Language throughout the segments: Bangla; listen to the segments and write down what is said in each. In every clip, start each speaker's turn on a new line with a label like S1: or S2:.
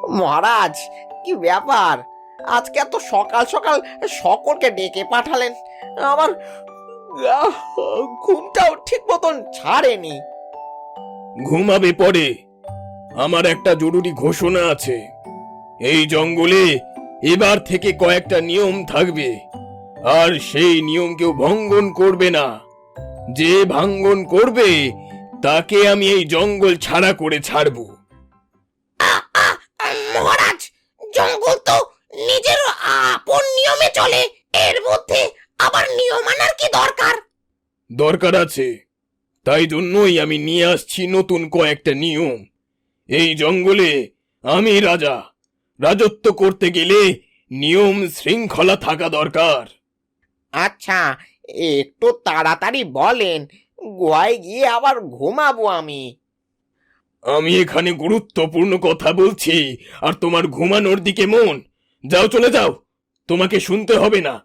S1: মহারাজ, কি ব্যাপার? আজকে এত সকাল সকাল সকলকে ডেকে পাঠালেন? আমার ঘুমটাও ঠিক মতন ছাড়েনি।
S2: ঘুমাবে পরে। আমার একটা জরুরি ঘোষণা আছে। এই জঙ্গলে এবার থেকে কয়েকটা নিয়ম থাকবে, আর সেই নিয়ম কেউ ভঙ্গন করবে না। যে ভাঙ্গন করবে তাকে আমি এই জঙ্গল ছাড়া করে ছাড়ব।
S1: মহারাজ, জঙ্গল তো নিজের আপন নিয়মে চলে, এর মধ্যে আবার নিয়ম আনার কি দরকার?
S2: দরকার আছে, তাই জন্যই আমি নিয়ে আসছি নতুন কয়েকটা নিয়ম। এই জঙ্গলে আমি রাজা, রাজত্ব করতে গেলে নিয়ম শৃঙ্খলা থাকা দরকার।
S1: আচ্ছা, একটু তাড়াতাড়ি বলেন, গোয়ায় গিয়ে আবার ঘুমাবো আমি।
S2: আমি এখানে গুরুত্বপূর্ণ কথা বলছি, আর তোমার ঘুমানোর দিকে মন। যাও, চলে যাও, তোমাকে শুনতে হবে না।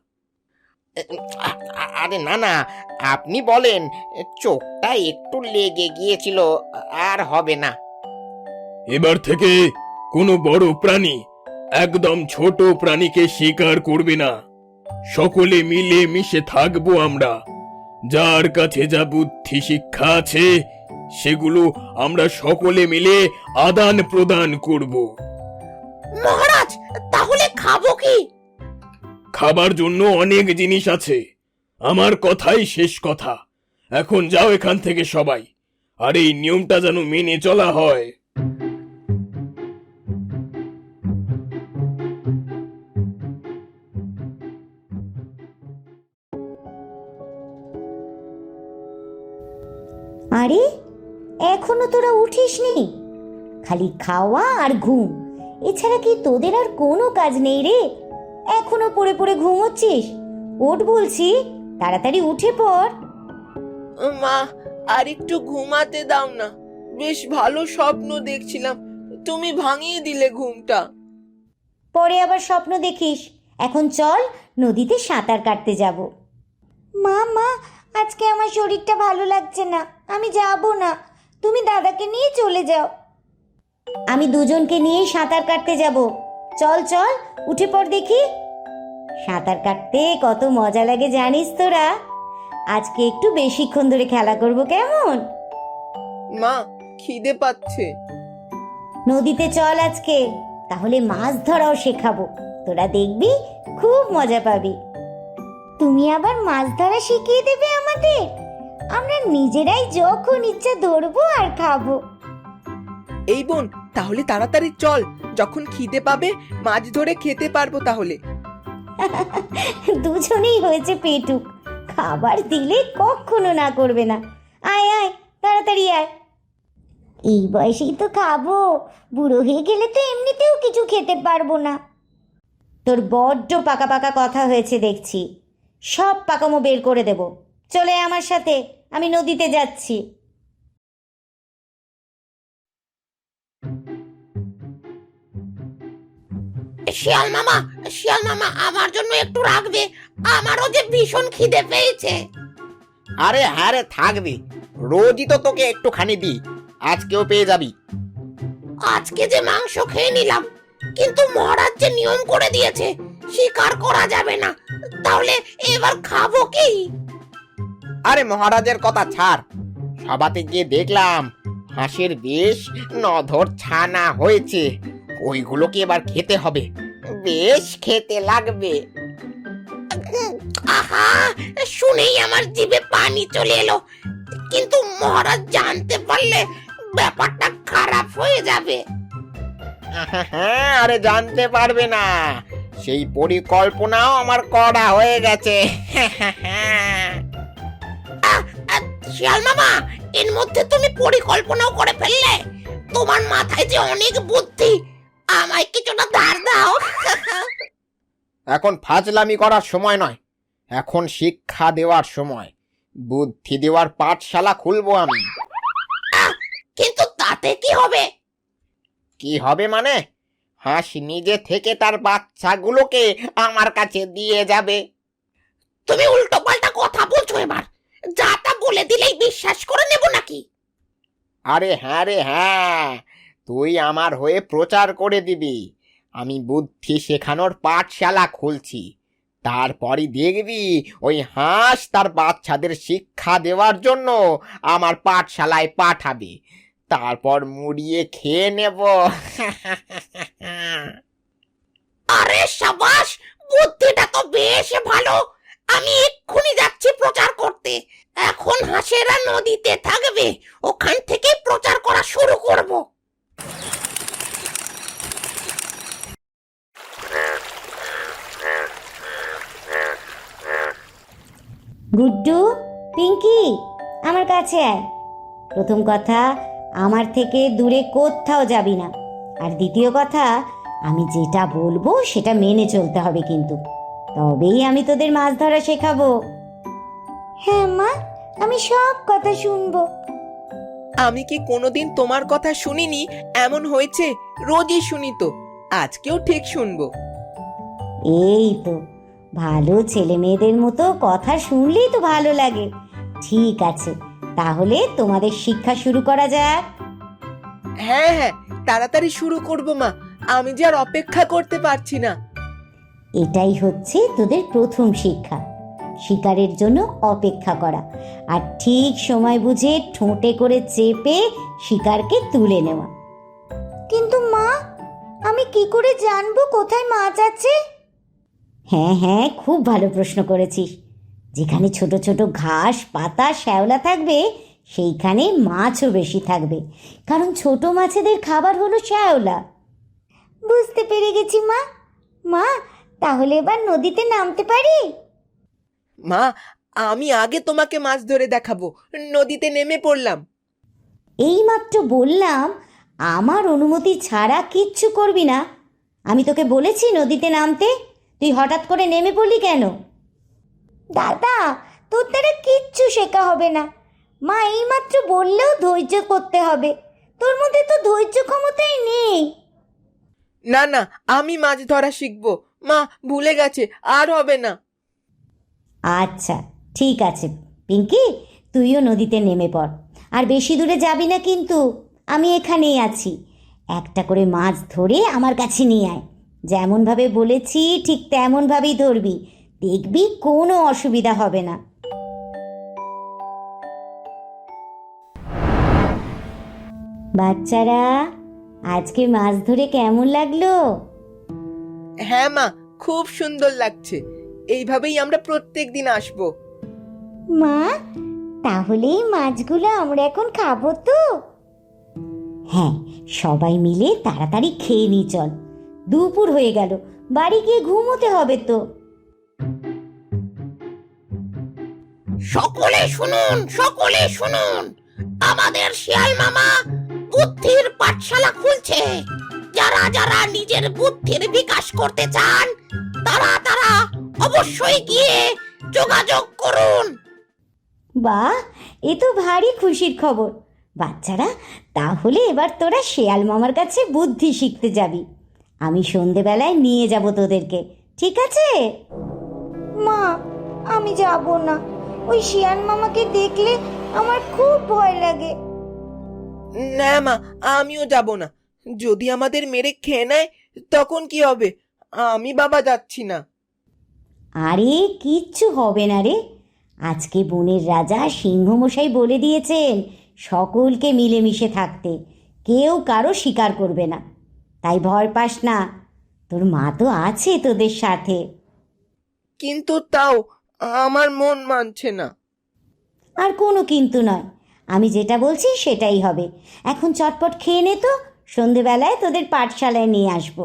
S1: আরে না না, আপনি বলেন, চোখটা একটু লেগে গিয়েছিল, আর হবে না।
S2: এবার থেকে কোনো বড় প্রাণী একদম ছোট প্রাণীকে শিকার করবে না। সকলে মিলে মিশে থাকবো আমরা। যার কাছে যা বুদ্ধি শিক্ষা আছে সেগুলো আমরা সকলে মিলে আদান প্রদান করব।
S1: মহারাজ, তাহলে খাবো কি?
S2: খাবার জন্য অনেক জিনিস আছে, আমার কথাই শেষ কথা। এখন যাও এখান থেকে সবাই, আর এই নিয়মটা যেন মেনে চলা হয়।
S3: আরে, এখনো তোরা উঠিসনি? খালি খাওয়া আর ঘুম, এছাড়া কি তোদের আর কোনো কাজ নেই রে? এখনো পড়ে পড়ে ঘুমোচ্ছিস? ওঠ বলছি, তাড়াতাড়ি উঠে পড়।
S4: মা, আর একটু ঘুমাতে দাও না। বেশ ভালো স্বপ্ন দেখছিলাম, তুমি ভাঙিয়ে দিলে ঘুমটা।
S3: পরে আবার স্বপ্ন দেখিস। এখন চল, নদীতে সাঁতার কাটতে যাব। মা মা, আজকে আমার শরীরটা ভালো লাগছে না, আমি যাব না। তুমি দাদাকে নিয়ে চলে যাও। আমি দুজনকে নিয়েই সাঁতার কাটতে যাব। চল চল, উঠে পড় দেখি। সাঁতার কাটতে কত মজা লাগে জানিস তোরা? আজকে একটু বেশিক্ষণ ধরে খেলা করব, কেমন?
S4: মা, খিদে পাচ্ছে।
S3: নদীতে চল আজকে, তাহলে মাছ ধরাও শেখাবো। তোরা দেখবি, খুব মজা পাবি। তুমি আবার মাছ ধরা শিখিয়ে দেবে আমাদের? আমরা নিজেরাই যখন ইচ্ছা ধরবো আর খাবো।
S4: এই বোন, তাহলে তাড়াতাড়ি চল, যখন খিদে পাবে মাছ ধরে খেতে পারবো তাহলে।
S3: দুজনেই হয়েছে পেটুক, খাবার দিলে কখনো না করবে না। আয় আয়, তাড়াতাড়ি আয়। এই বয়সেই তো খাবো, বুড়ো হয়ে গেলে তো এমনিতেও কিছু খেতে পারবো না। তোর বড্ড পাকা পাকা কথা হয়েছে দেখছি, সব পাকামো বের করে দেব। চলে আয় আমার সাথে, আমি নদীতে যাচ্ছি।
S1: শিয়াল মামা, শিয়াল মামা, আমার জন্য একটু রাখবে, আমারও যে ভীষণ খিদে পেয়েছে। আরে হ্যাঁ রে, থাকবি, রোজই তো তোকে একটুখানি দিই, আজকেও পেয়ে যাবি। আজকে যে মাংস খেয়ে নিলাম, কিন্তু মহারাজ যে নিয়ম করে দিয়েছে শিকার করা যাবে না, তাহলে এবার খাবো কি? আরে মহারাজের কথা ছাড়, সভাতে গিয়ে দেখলাম হাঁসের বেশ নধর ছানা হয়েছে, ওইগুলোকে এবার খেতে হবে, বেশ খেতে লাগবে। আহা, শুনেই আমার জিভে পানি চলে এলো, কিন্তু মহারাজ জানতে পারলে ব্যাপারটা খারাপ হয়ে যাবে। আরে জানতে পারবে না, সেই পরিকল্পনাও আমার করা হয়ে গেছে। শিয়াল মামা, এর মধ্যে তুমি পরিকল্পনাও করে ফেললে? তোমার মাথায় যে অনেক বুদ্ধি, আমায় কিছুটা ধার দাও। এখন ফাজলামি করার সময় নয়, এখন শিক্ষা দেওয়ার সময়। বুদ্ধি দেওয়ার পাঠশালা খুলবো আমি। কিন্তু তাতে কি হবে? কি হবে মানে? হাঁস নিজে থেকে তার বাচ্চাগুলোকে আমার কাছে দিয়ে যাবে। তুমি উল্টো পাল্টা কথা বলছো, এবার যা তা বলে দিলেই বিশ্বাস করে নেব নাকি? আরে হ্যাঁ রে হ্যাঁ, তুই আমার হয়ে প্রচার করে দিবি। আমি বুদ্ধি শেখানোর পাঠশালা খুলছি। তারপরই দেখবি ওই হাঁস তার বাচ্চাদের শিক্ষা দেওয়ার জন্য আমার পাঠশালায় পাঠাবে। তারপর মুড়িয়ে খেয়ে নেব। আরে সাবাস, বুদ্ধিটা তো বেশ ভালো। আমি এক্ষুনি যাচ্ছি প্রচার করতে। এখন হাঁসেরা নদীতে থাকবে, ওখান থেকে প্রচার করা শুরু করব।
S3: গুড্ডু, পিঙ্কি, আমার কাছে আয়। প্রথম কথা, আমার থেকে দূরে কোথাও যাবি না। আর দ্বিতীয় কথা, আমি যেটা বলবো সেটা মেনে চলতে হবে কিন্তু, তবেই আমি তোদের মাছ ধরা শেখাবো। হ্যাঁ মা, আমি সব কথা শুনবো।
S4: আমি কি কোনোদিন তোমার কথা শুনিনি এমন হয়েছে? রোজই শুনি তো, আজকেও ঠিক শুনবো।
S3: এই তো, ভালো ছেলে মেয়েদের মতো কথা শুনলেই তো ভালো লাগে। ঠিক আছে, তাহলে তোমাদের শিক্ষা শুরু করা যাক।
S4: হ্যাঁ হ্যাঁ, তাড়াতাড়ি শুরু করবো মা, আমি যে আর অপেক্ষা করতে পারছি না।
S3: এটাই হচ্ছে তোদের প্রথম শিক্ষা, শিকারের জন্য অপেক্ষা করা, আর ঠিক সময় বুঝে ঠোঁটে করে চেপে শিকারকে তুলে নেওয়া। কিন্তু মা, আমি কি করে জানবো কোথায় মাছ আছে? হ্যাঁ হ্যাঁ, খুব ভালো প্রশ্ন করেছিস। যেখানে ছোট ছোট ঘাস, পাতা, শ্যাওলা থাকবে সেইখানে মাছও বেশি থাকবে, কারণ ছোট মাছেদের খাবার হলো শ্যাওলা। বুঝতে পেরে গেছি মা। মা, তাহলে এবার নদীতে নামতে পারি?
S4: মা, আমি আগে তোমাকে মাছ ধরে দেখাবো। নদীতে নেমে পড়লাম।
S3: এইমাত্র বললাম আমার অনুমতি ছাড়া কিচ্ছু করবি না। আমি তোকে বলেছি নদীতে নামতে, তুই হঠাৎ করে নেমে পড়লি কেন? দাদা, তোর দ্বারা কিচ্ছু শেখা হবে না। মা এইমাত্র বললেও ধৈর্য করতে হবে, তোর মধ্যে তো ধৈর্য ক্ষমতাই নেই।
S4: না না, আমি মাছ ধরা শিখবো। মা, ভুলে গেছে, আর হবে না।
S3: আচ্ছা ঠিক আছে পিঙ্কি, তুইও নদীতে নেমে পড়। আর বেশি দূরে যাবি না কিন্তু, আমি এখানেই আছি। একটা করে মাছ ধরে আমার কাছে নিয়ে আয়। যেমনভাবে বলেছি ঠিক তেমনভাবেই ধরবি, দেখবি কোনো অসুবিধা হবে না। বাচ্চারা, আজকে মাছ ধরে কেমন লাগলো?
S4: হ্যাঁ মা, খুব সুন্দর লাগছে। এইভাবেই আমরা প্রত্যেক দিন আসবো।
S3: মা, তাহলে এই মাছগুলো আমরা এখন খাবো তো? হ্যাঁ, সবাই মিলে তাড়াতাড়ি খেয়ে নি চল, দুপুর হয়ে গেল, বাড়ি গিয়ে ঘুমোতে হবে তো।
S1: সকলে শুনুন, সকলে শুনুন, আমাদের শিয়াল মামা বুদ্ধির পাঠশালা খুলছে। যারা যারা নিজের বুদ্ধির বিকাশ করতে চান তারা তারা অবশ্যই গিয়ে যোগাযোগ করুন।
S3: বাহ, এ তো ভারী খুশির খবর। বাচ্চারা, তাহলে এবার তোরা শেয়াল মামার কাছে বুদ্ধি শিখতে যাবি। আমি সন্ধেবেলায় নিয়ে যাব তোদেরকে, ঠিক আছে? মা, আমি যাব না। ওই শিয়াল মামাকে দেখলে আমার খুব ভয় লাগে।
S4: না মা, আমিও যাব না। যদি আমাদের মেরে খেয়ে নেয় তখন কি হবে? আমি বাবা যাচ্ছি না।
S3: আরে কিচ্ছু হবে না রে, আজকে বনের রাজা সিংহমশাই বলে দিয়েছেন সকলকে মিলেমিশে থাকতে, কেউ কারো শিকার করবে না। তাই ভয় পাস না, তোর মা তো আছে তোদের সাথে।
S4: কিন্তু তাও আমার মন মানছে না।
S3: আর কোনো কিন্তু নয়, আমি যেটা বলছি সেটাই হবে। এখন চটপট খেয়ে নে তো, সন্ধেবেলায় তোদের পাঠশালায় নিয়ে আসবো।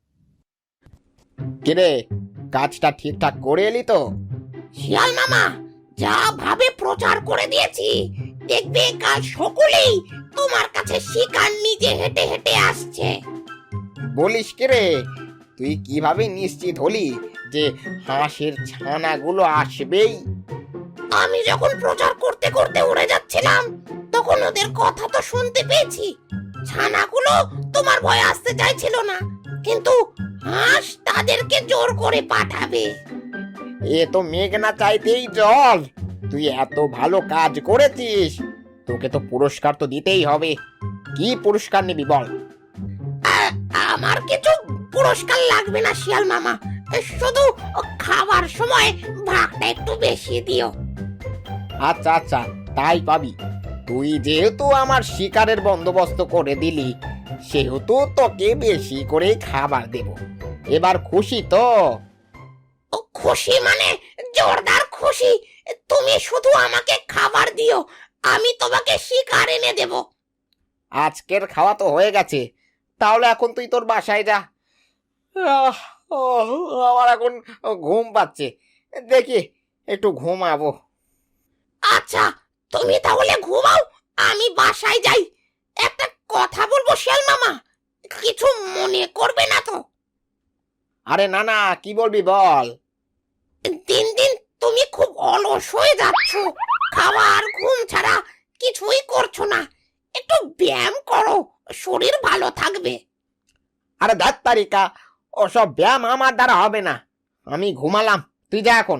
S1: কিরে, কাজটা ঠিকঠাক করে এলি তো? শিয়াল মামা যা ভাবে প্রচার করে দিয়েছি, দেখবে কাল সকলেই তোমার কাছে শিকার নিজে হেঁটে হেঁটে আসছে। বলিস কিরে, তুই কিভাবে নিশ্চিত হলি যে হাঁসের ছানাগুলো আসবেই? আমি যখন প্রচার করতে করতে উড়ে যাচ্ছিলাম তখন ওদের কথা তো শুনতে পেয়েছি। ছানাগুলো তোমার ভয়ে আসতে চাইছিল না, কিন্তু হাঁস তাদেরকে জোর করে পাঠাবে। এ তো মেঘ না চাইতেই জল। তুই এত ভালো কাজ করেছিস, তোকে তো পুরস্কার তো দিতেই হবে। কি পুরস্কার নিবি বল? আমার কিছু পুরস্কার লাগবে না শিয়াল মামা, শুধু খাবার সময় ভাগটা একটু বেশি দিও। আচ্ছা আচ্ছা, তাই পাবি। তুই যেহেতু আমার শিকারের বন্দোবস্ত করে দিলি, সেহেতু তোকে বেশি করে খাবার দেব। এবার খুশি তো? খুশি মানে জোরদার খুশি। তুমি শুধু আমাকে খাবার দিও, আমি তোমাকে শিকার এনে দেব। আজকের খাওয়া তো হয়ে গেছে, তাহলে এখন তুই তোর বাসায় যা। আমার এখন ঘুম পাচ্ছে, দেখি একটু ঘুমাবো। আচ্ছা, তুমি তাহলে ঘুমাও, আমি বাসায় যাই। একটা কথা বলবো শিয়াল মামা, কিছু মনে করবে না তো? আরে না না, কি বলবি বল। দিন দিন তুমি খুব অলস হয়ে যাচ্ছ, খাওয়া আর ঘুম ছাড়া কিছুই করছো না। একটু ব্যায়াম করো, শরীর ভালো থাকবে। আরে দেখ তারিকা, ওসব ব্যায়াম আমার দ্বারা হবে না। আমি ঘুমালাম, তুই যা এখন।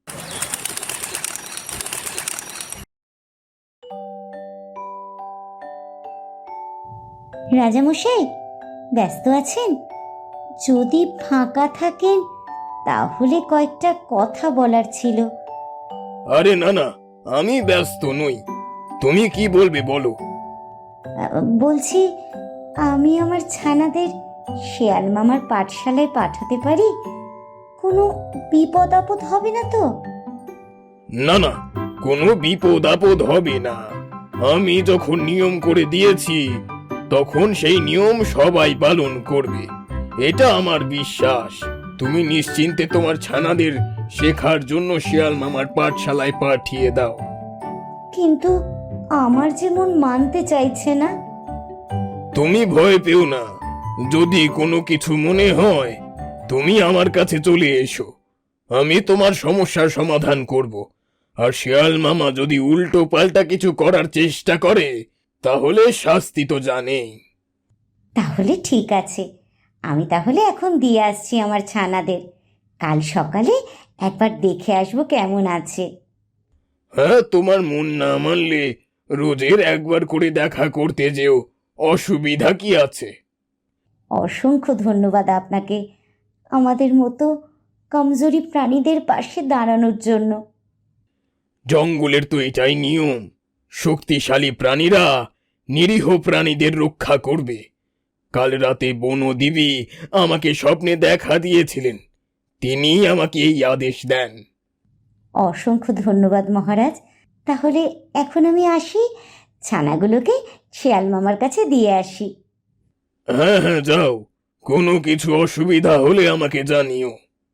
S3: রাজামশাই, ব্যস্ত আছেন? যদি ফাঁকা থাকেন তাহলে কয়েকটা কথা বলার ছিল।
S2: আরে না না, আমি ব্যস্ত নই। তুমি কি বলবে বলো।
S3: বলছি, আমি আমার ছানাদের শেয়াল মামার পাঠশালায় পাঠাতে পারি? কোনো বিপদ আপদ হবে না তো?
S2: না না, কোনো বিপদ আপদ হবে না। আমি যখন নিয়ম করে দিয়েছি, তখন সেই নিয়ম সবাই পালন করবে, এটা আমার বিশ্বাস। তুমি নিশ্চিন্তে তোমার ছানাদের শেখার জন্য শিয়াল মামার পাঠশালায় পাঠিয়ে দাও।
S3: কিন্তু আমার যেমন মানতে চাইছে না।
S2: তুমি ভয় পেও না, যদি কোনো কিছু মনে হয় তুমি আমার কাছে চলে এসো, আমি তোমার সমস্যার সমাধান করব। আর শিয়াল মামা যদি উল্টো পাল্টা কিছু করার চেষ্টা করে, তাহলে শাস্তি তো জানেই।
S3: তাহলে ঠিক আছে, আমি তাহলে এখন দিয়ে আসছি আমার ছানাদের। কাল সকালে একবার দেখে আসবো কেমন আছে।
S2: হ্যাঁ, তোমার মন না মানলে রোজের একবার করে দেখা করতে যেও, অসুবিধা কি আছে?
S3: অসংখ্য ধন্যবাদ আপনাকে, আমাদের মতো কমজোরি প্রাণীদের পাশে দাঁড়ানোর জন্য।
S2: জঙ্গলের তো এটাই নিয়ম, শক্তিশালী প্রাণীরা নিরীহ প্রাণীদের রক্ষা করবে। কাল রাতে বনদেবী আমাকে স্বপ্নে দেখা দিয়েছিলেন, তিনি আমাকে এই আদেশ দেন।
S3: অসংখ্য ধন্যবাদ মহারাজ। তাহলে এখন আমি আসি, ছানাগুলোকে শেয়াল মামার কাছে দিয়ে আসি।
S2: হ্যাঁ হ্যাঁ, যাও। কোনো কিছু অসুবিধা হলে আমাকে জানিও।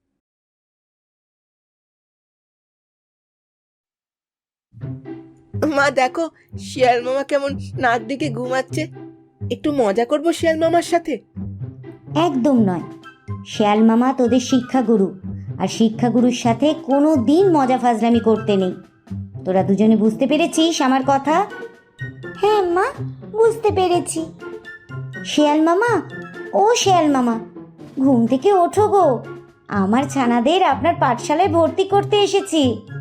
S4: মা দেখো, শিয়াল মামা কেমন নাক দিকে ঘুমাচ্ছে। একটু মজা করবো শিয়াল মামার সাথে।
S3: একদম নয়, শেয়াল মামা তোদের শিক্ষাগুরু, আর শিক্ষাগুরুর সাথে কোনো দিন মজা ফাজলামি করতে নেই। তোরা দুজনে বুঝতে পেরেছিস আমার কথা? হ্যাঁ মা, বুঝতে পেরেছি। শেয়াল মামা, ও শেয়াল মামা, ঘুম থেকে ওঠো গো, আমার ছানাদের আপনার পাঠশালায় ভর্তি করতে এসেছি।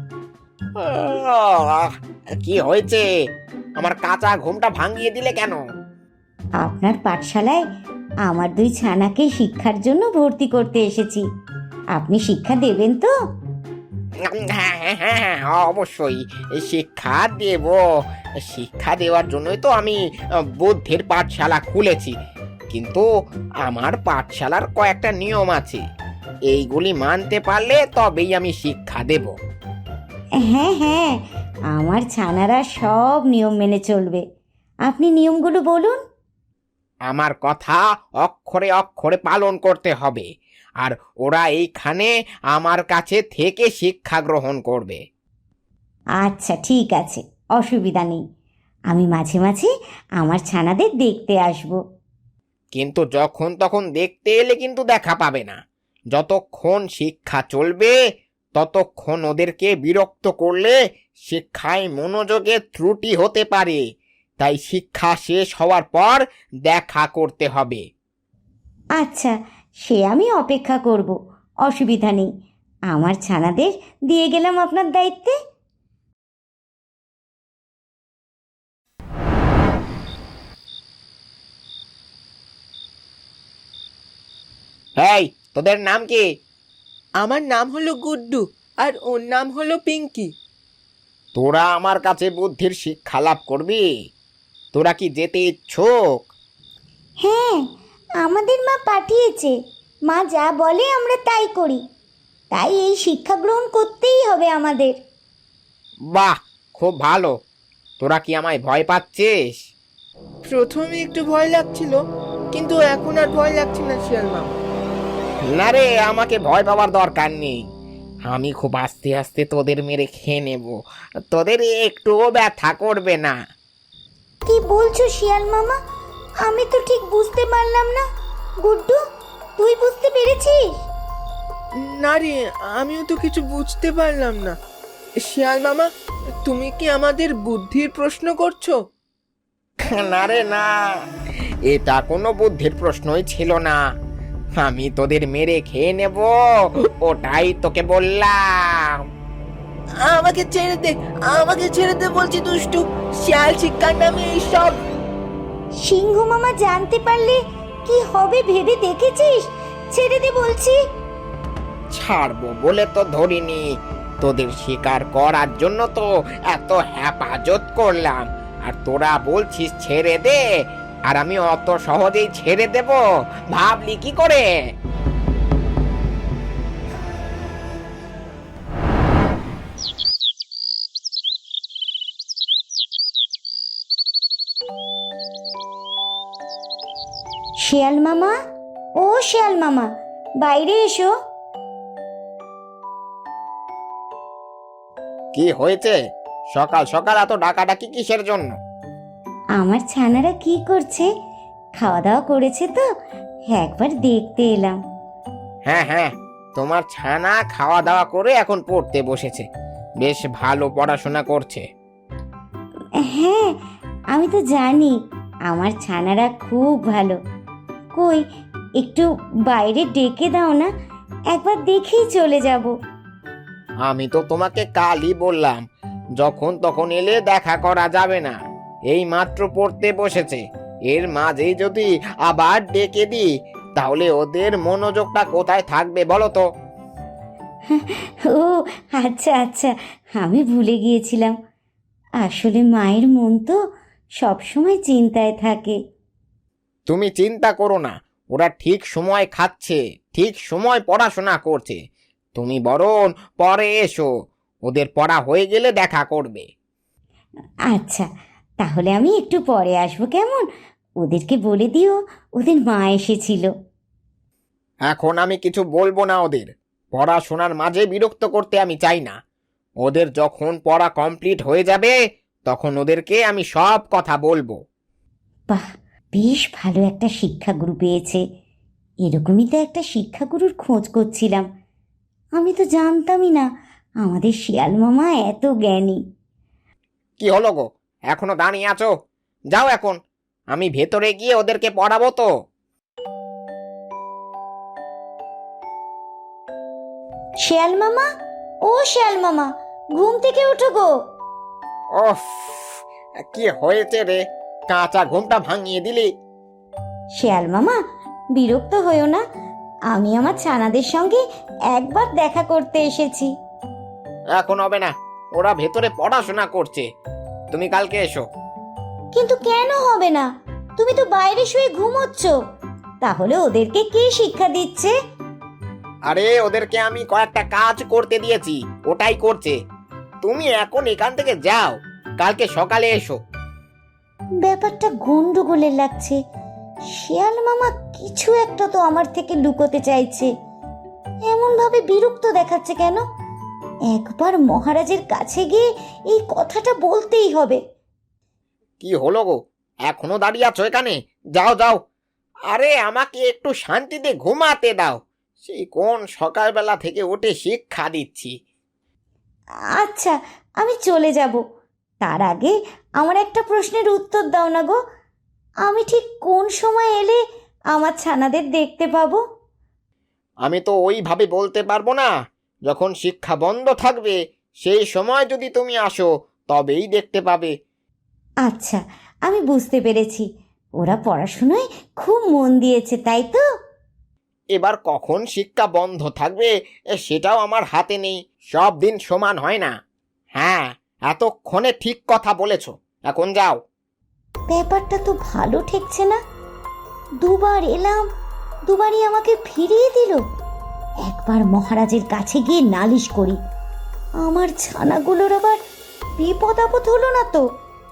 S1: কি হয়েছে? আমার কাঁচা ঘুমটা ভাঙিয়ে দিলে কেন?
S3: আপনার পাঠশালায় আমার দুই ছানাকে শিক্ষার জন্য ভর্তি করতে এসেছি। আপনি শিক্ষা দেবেন তো?
S1: হ্যাঁ হ্যাঁ হ্যাঁ, অবশ্যই শিক্ষা দেব। শিক্ষা দেওয়ার জন্যই তো আমি বুদ্ধির পাঠশালা খুলেছি। কিন্তু আমার পাঠশালার কয়েকটা নিয়ম আছে, এইগুলি মানতে পারলে তবেই আমি শিক্ষা দেব।
S3: হ্যাঁ হ্যাঁ, আমার ছানারা সব নিয়ম মেনে চলবে। আপনি নিয়মগুলো বলুন।
S1: আমার কথা অক্ষরে অক্ষরে পালন করতে হবে, আর ওরা এইখানে আমার কাছে থেকে শিক্ষা গ্রহণ করবে।
S3: আচ্ছা ঠিক আছে, অসুবিধা নেই। আমি মাঝে মাঝে আমার ছানাদের দেখতে আসব।
S1: কিন্তু যখন তখন দেখতে এলে কিন্তু দেখা পাবে না। যতক্ষণ শিক্ষা চলবে ততক্ষণ ওদেরকে বিরক্ত করলে শিক্ষায় মনোযোগে ত্রুটি হতে পারে। তাই শিক্ষা শেষ হওয়ার পর দেখা করতে হবে।
S3: আচ্ছা, সে আমি অপেক্ষা করব, অসুবিধা নেই। আমার ছানাদের দিয়ে গেলাম আপনার দায়িত্বে।
S1: এই, তোদের নাম কি?
S4: আমার নাম হলো গুড্ডু, আর ওর নাম হলো পিঙ্কি।
S1: তোরা আমার কাছে বুদ্ধির শিক্ষা লাভ করবি? তোরা কি যেতে ইচ্ছুক?
S3: হ্যাঁ, আমাদের মা পাঠিয়েছে। মা যা বলে আমরা তাই করি। তাই এই শিক্ষা গ্রহণ করতেই হবে আমাদের।
S1: বাহ, খুব ভালো। তোরা কি আমায় ভয় পাচ্ছিস?
S4: প্রথমে একটু ভয় লাগছিল, কিন্তু এখন আর ভয় লাগছে না শিয়াল মামা।
S1: না রে, আমাকে ভয় পাওয়ার দরকার নেই। আমি খুব আস্তে আস্তে তোদের মেরে খেয়ে নেব। তোদের একটুও ব্যথা করবে না।
S3: কি বলছো শিয়াল মামা? আমি তো ঠিক বুঝতে পারলাম না। গুড্ডু, তুই বুঝতে পেরেছিস?
S4: না রে, আমিও তো কিছু বুঝতে পারলাম না। শিয়াল মামা, তুমি কি আমাদের বুদ্ধির প্রশ্ন করছো?
S1: না রে না, এটা কোনো বুদ্ধির প্রশ্নই ছিল না। আমি তোদের মেরে খেয়ে নেব, ওটাই তোকে বললাম।
S4: আমাকে ছেড়ে দে, আমাকে ছেড়ে দে বলছি দুষ্টু। শিয়াল শিক্ষার নামে এইসব।
S3: সিংহ মামা জানতে পারলে কি হবে ভেবে দেখেছিস? ছেড়ে দে বলছি।
S1: ছাড়বো বলে তো ধরিনি, তোদের শিকার করার জন্য তো এত হেফাজত করলাম, আর তোরা বলছিস ছেড়ে দে। আর আমি অত সহজেই ছেড়ে দেব ভাবলি কি করে?
S3: শিয়াল মামা, ও শিয়াল মামা, বাইরে এসো।
S1: কি হয়েছে? সকাল সকাল এত ডাকাডাকি কিসের জন্য?
S3: আমার ছানারা কি করছে? খাওয়া দাওয়া করেছে তো, একবার দেখতে এলাম।
S1: হ্যাঁ হ্যাঁ, তোমার ছানা খাওয়া দাওয়া করে এখন পড়তে বসেছে। বেশ ভালো পড়াশোনা করছে।
S3: হ্যাঁ, আমি তো জানি আমার ছানারা খুব ভালো। কই, একটু বাইরে ডেকে দাও না, একবার দেখেই চলে যাব।
S1: আমি তো তোমাকে কালই বললাম, যখন তখন এলে দেখা করা যাবে না। এই মাত্র পড়তে বসেছে, এর মাঝেই যদি আবার ডেকে দিই তাহলে ওদের মনোযোগটা কোথায় থাকবে বলো তো?
S3: ও আচ্ছা আচ্ছা, আমি ভুলে গিয়েছিলাম। আসলে মায়ের মন তো সবসময় চিন্তায় থাকে।
S1: তুমি চিন্তা করো না, ওরা ঠিক সময় খাচ্ছে, ঠিক সময় পড়াশোনা করছে। তুমি বরং পরে এসো, ওদের পড়া হয়ে গেলে দেখা করবে।
S3: আচ্ছা, তাহলে আমি একটু পরে আসবো কেমন? ওদেরকে বলে দিও ওদের মা এসেছিল।
S1: এখন আমি কিছু বলবো না ওদের। পড়াশোনার মাঝে বিরক্ত করতে আমি চাই না। ওদের যখন পড়া কমপ্লিট হয়ে যাবে তখন ওদেরকে আমি সব কথা বলবো।
S3: বাহ, বেশ ভালো একটা শিক্ষাগুরু পেয়েছে। এরকমই তো একটা শিক্ষাগুরুর খোঁজ করছিলাম। আমি তো জানতামই না আমাদের শিয়াল মামা এত জ্ঞানী।
S1: কি হলো গো, এখনো দাঁড়িয়ে আছো? যাও এখন, আমি ভেতরে গিয়ে ওদেরকে পড়াবো তো।
S3: শিয়াল মামা, ও শিয়াল মামা, ঘুম থেকে ওঠো গো।
S1: ওফ, কি হয়েছে রে, কাঁচা ঘুমটা ভাঙিয়ে দিলি।
S3: শিয়াল মামা, বিরক্ত হইও না, আমি আমার ছানাদের সঙ্গে একবার দেখা করতে এসেছি।
S1: এখন হবে না, ওরা ভেতরে পড়াশোনা করছে। তুমি কালকে এসো।
S3: কিন্তু কেন হবে না? তুমি তো বাইরে শুয়ে ঘুমোচ্ছ, তাহলে ওদেরকে কে শিক্ষা দিচ্ছে?
S1: আরে ওদেরকে আমি কয়েকটা কাজ করতে দিয়েছি, ওটাই করছে। তুমি এখন এখান থেকে যাও, কালকে সকালে এসো।
S3: ব্যাপারটা গন্ডগোলের লাগছে। শিয়াল মামা কিছু একটা তো আমার থেকে লুকোতে চাইছে। এমন ভাবে বিরক্ত দেখাচ্ছে কেন? একবার মহারাজের কাছে গিয়ে এই কথাটা বলতেই হবে।
S1: কি হলো গো, এখনো দাঁড়িয়ে আছো এখানে? যাও যাও। আরে আমাকে একটু শান্তিতে ঘুমাতে দাও। সেই কোন সকালবেলা থেকে উঠে শিক্ষা দিচ্ছি।
S3: আচ্ছা, আমি চলে যাব। তার আগে আমার একটা প্রশ্নের উত্তর দাও না গো। আমি ঠিক কোন সময় এলে আমার ছানাদের দেখতে পাবো?
S1: আমি তো ওইভাবে বলতে পারবো না। যখন শিক্ষা বন্ধ থাকবে সেই সময় যদি তুমি আসো তবেই দেখতে পাবে।
S3: আচ্ছা, আমি বুঝতে পেরেছি। ওরা পড়াশোনায় খুব মন দিয়েছে, তাই তো?
S1: এবার কখন শিক্ষা বন্ধ থাকবে সেটাও আমার হাতে নেই। সব দিন সমান হয় না। হ্যাঁ, এতক্ষণে ঠিক কথা বলেছ। এখন যাও।
S3: ব্যাপারটা তো ভালো ঠেকছে না। দুবার এলাম, দুবারই আমাকে ফিরিয়ে দিল। একবার মহারাজের কাছে গিয়ে নালিশ করি, আমার ছানাগুলোর আবার বিপদ আপদ হলো না তো।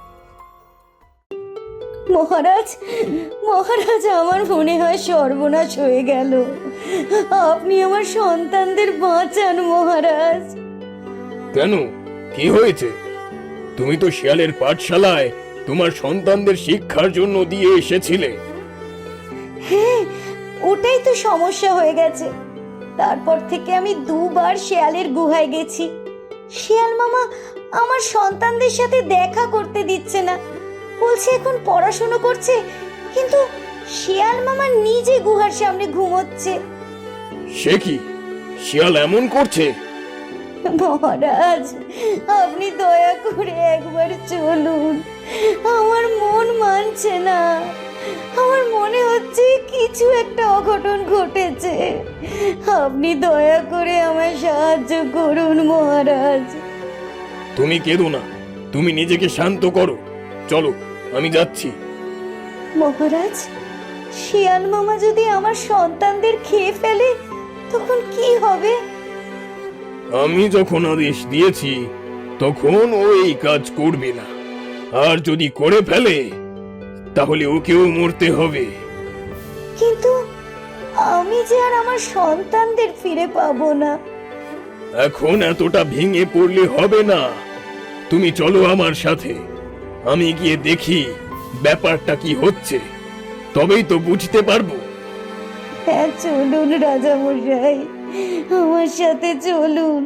S3: মহারাজ, মহারাজ, আমার মনে হয় সর্বনাশ হয়ে গেল। আপনি আমার সন্তানদের বাঁচান মহারাজ।
S2: কেন, কি হয়েছে? তুমি তো শিয়ালের পাঠশালায় তোমার সন্তানদের শিক্ষার জন্য দিয়ে এসেছিলে।
S3: হ্যাঁ, ওটাই তো সমস্যা হয়ে গেছে। তারপর থেকে আমি দুবার শেয়ালের গুহায় গেছি। শিয়াল মামা আমার সন্তানদের সাথে দেখা করতে দিচ্ছে না, বলছে এখন পড়াশোনা করছে, কিন্তু শিয়াল মামা নিজে গুহার সামনে ঘুমোচ্ছে।
S2: সে কি, শিয়াল এমন করছে?
S3: মহারাজ, আপনি দয়া করে একবার চলুন। আমার মন মানছে না। আমার মনে হচ্ছে কিছু একটা অঘটন ঘটেছে। আপনি দয়া করে আমায় সাহায্য করুন মহারাজ।
S2: তুমি কেঁদো না, তুমি নিজেকে শান্ত করো। চলো, আমি যাচ্ছি।
S3: মহারাজ, শিয়াল মামা যদি আমার সন্তানদের খেয়ে ফেলে তখন কি হবে?
S2: আমি যখন আদেশ দিয়েছি তখন ও এই কাজ করবে না, আর যদি করে ফেলে তাহলে ওকেও মরতে হবে।
S3: কিন্তু আমি যে আর আমার সন্তানদের ফিরে পাবো না।
S2: এখন এতটা ভেঙে পড়লে হবে না। তুমি চলো আমার সাথে, আমি গিয়ে দেখি ব্যাপারটা কি হচ্ছে, তবেই তো বুঝতে পারবো।
S3: হ্যাঁ, চলুন রাজামশাই, আমার সাথে চলুন।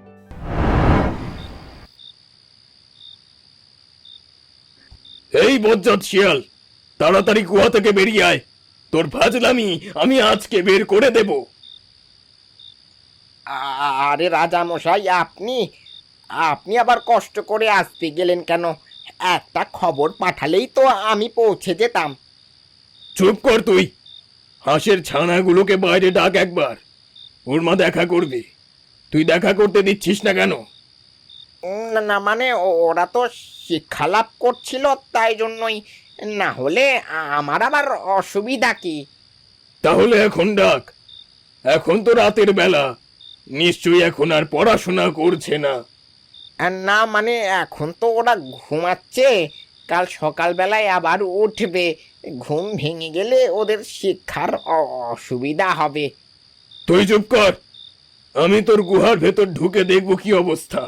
S2: এই বজ্জাত শিয়াল, তাড়াতাড়ি গুহা থেকে বেরিয়ে আয়। তোর ফাজলামি আমি আজকে বের করে দেব।
S1: আরে রাজা মশাই, আপনি আপনি আবার কষ্ট করে আসতে গেলেন কেন? একটা খবর পাঠালেই তো আমি পৌঁছে যেতাম।
S2: চুপ কর তুই। হাঁসের ছানাগুলোকে বাইরে ডাক একবার, ওর মা দেখা করবে। তুই দেখা করতে দিচ্ছিস না কেন?
S1: না না, মানে ওরা তো শিক্ষা লাভ করছিল, তাই জন্যই। না হলে আমার আবার অসুবিধা কি?
S2: তাহলে এখন ডাক। এখন তো রাতের বেলা, নিশ্চয়ই এখন আর পড়াশোনা করছে না।
S1: না মানে এখন তো ওরা ঘুমাচ্ছে, কাল সকালবেলায় আবার উঠবে। ঘুম ভেঙে গেলে ওদের শিক্ষার অসুবিধা হবে।
S2: তুই চুপ কর, আমি তোর গুহার ভেতর ঢুকে দেখবো কি অবস্থা।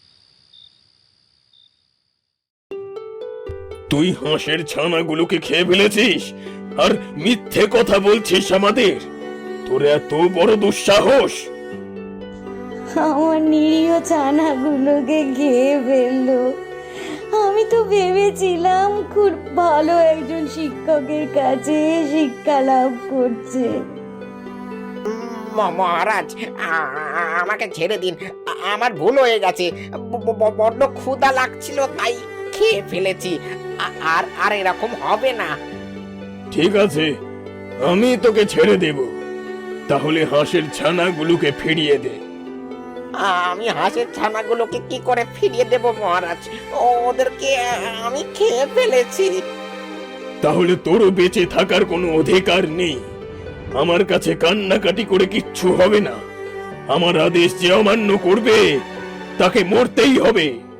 S2: তুই হাঁসের ছানাগুলোকে খেয়ে ফেলেছিস আর মিথ্যে কথা বলছিস আমাদের। তোর এত বড় দুঃসাহস!
S3: আমার নিরীহ ছানাগুলোকে খেয়ে ফেললো। আমি তো ভেবেছিলাম খুব ভালো একজন শিক্ষকের কাছে শিক্ষা লাভ করছে।
S1: মহারাজ, আমাকে ছেড়ে দিন। আমার ভুল হয়ে গেছে। বড্ড ক্ষুধা লাগছিল, তাই খেয়ে ফেলেছি। আর আর এরকম হবে না।
S2: ঠিক আছে, আমি তোকে ছেড়ে দেব। তাহলে হাঁসের ছানাগুলোকে ফিরিয়ে দে।
S1: আমি হাঁসের ছানাগুলোকে কি করে ফিরিয়ে দেব মহারাজ? ওদেরকে আমি খেয়ে ফেলেছি।
S2: তাহলে তোরও বেঁচে থাকার কোনো অধিকার নেই। আমার কাছে কান্নাকাটি করে কিচ্ছু হবে না। আমার আদেশ যে অমান্য করবে তাকে মরতেই হবে।